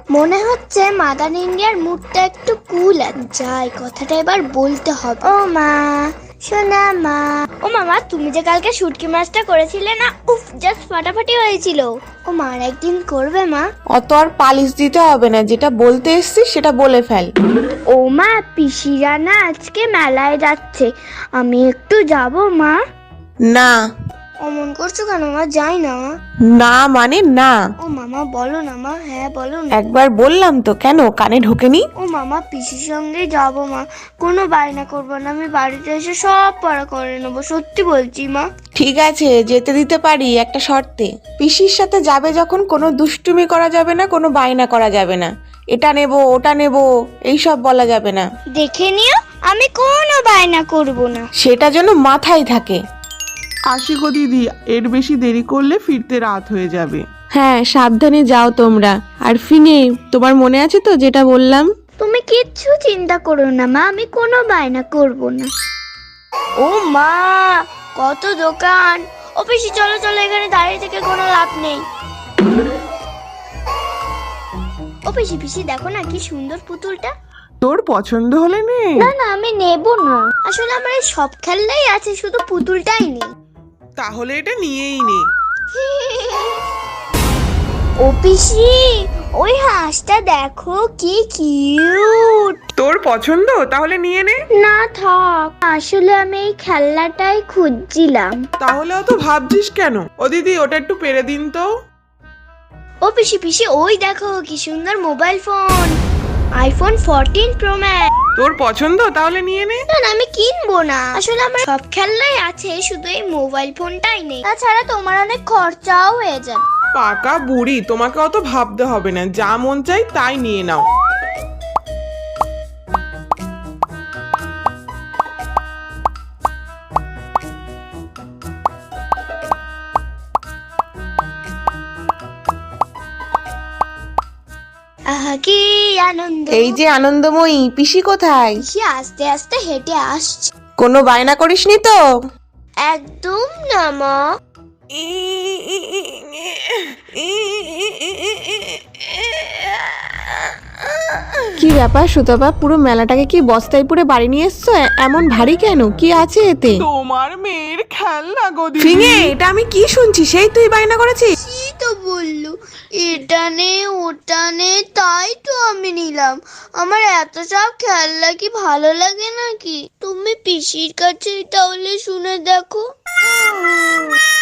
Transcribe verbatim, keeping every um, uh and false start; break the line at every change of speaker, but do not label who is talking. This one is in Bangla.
মনে হচ্ছে মাদার ইন্ডিয়ার মুডটা একটু কুল আছে। যাই, কথাটা এবার বলতে হবে। ও মা, সোনা মা। ও মামা, তুমি যে কালকে শুটকি মাছটা করেছিলে না, উফ, জাস্ট ফাটাফাটি হয়েছিল। ও মা, আর একদিন করবে মা?
অত আর পালিশ দিতে হবে না, যেটা বলতে এসছিস সেটা বলে ফেল।
ও মা, পিসিরা না আজকে মেলায় যাচ্ছে, আমি একটু যাব মা।
না।
অমন করছো কেন মা? যাই না।
না মানে না।
ও মামা বলো না মা। হ্যাঁ বলো না।
একবার বললাম তো, কেন কানে ঢোকেনি?
ও মামা, পিসির সঙ্গে যাবো মা, কোনো বায়না করবো না, আমি বাড়িতে এসে সব পড়া করে নেবো, সত্যি বলছি মা।
ঠিক আছে, যেতে দিতে পারি একটা শর্তে। পিসির সাথে যাবে যখন কোনো দুষ্টুমি করা যাবে না, কোনো বায়না করা যাবে না। এটা নেব ওটা নেব এইসব বলা যাবে না।
দেখে নিও, আমি কোনো বায়না করবো না।
সেটা যেন মাথায় থাকে।
আসি গো দিদি, এর বেশি দেরি করলে ফিরতে রাত হয়ে যাবে।
হ্যাঁ, সাবধানে যাও তোমরা। আর ফিনে, তোমার মনে আছে তো যেটা বললাম?
তুমি কিচ্ছু চিন্তা করো না মা, আমি কোনো বায়না করবো না। ও মা, কত দোকান। ও পিসি, চলো চলো, এখানে দাঁড়িয়ে থেকে কোনো লাভ নেই। ও পিসি পিসি, দেখো না কি সুন্দর পুতুলটা।
তোর পছন্দ হলে নে।
না না, আমি নেব না, আসলে আমার এই সব খেলনাই আছে, শুধু পুতুলটাই নেই।
তাহলে এটা নিয়েই নে।
ও পিসি, ওই হাঁসটা দেখো কি কিউট।
তোর পছন্দ, তাহলে নিয়ে নে।
না থাক, আসলে আমি এই খেলনাটাই খুঁজছিলাম।
তাহলে অত ভাবছিস কেন? ও দিদি, ওটা একটু পেরে দিন তো।
ও পিসি পিসি, ওই দেখো কি সুন্দর mobile phone, iPhone fourteen Pro Max.
তোর পছন্দ, তাহলে নিয়ে নে।
না না, আমি কিনবো না, আসলে আমার সব খেলনাই আছে, শুধু এই মোবাইল ফোনটাই নেই। তাছাড়া তোমার অনেক খরচাও হয়ে যাবে।
পাকা বুড়ি, তোমাকে অত ভাবতে হবে না, যা মন চাই তাই নিয়ে নাও।
আহা কি আনন্দ।
এই যে আনন্দময়ী, পিসি কোথায়?
পিসি আস্তে আস্তে হেঁটে আসছে।
কোনো বায়না করিসনি তো?
একদম না মা।
কি ব্যাপার সুতপা, পুরো মেলাটাকে কি বস্তায় পুরে বাড়ি নিয়ে এসছো? এ- এমন ভারী কেন? কি আছে এতে?
তোমার মেয়ের খেলনা গো দিদি।
ফিঙে, এটা আমি কি শুনছি? সেই তুই বায়না করেছিস?
কি তো বললো, এটা নে ওটা নে, তাই তো আমি নিলাম। আমার এত সব খেলনা কি ভালো লাগে নাকি? তুমি পিসির কাছে তাহলে শুনে দেখো।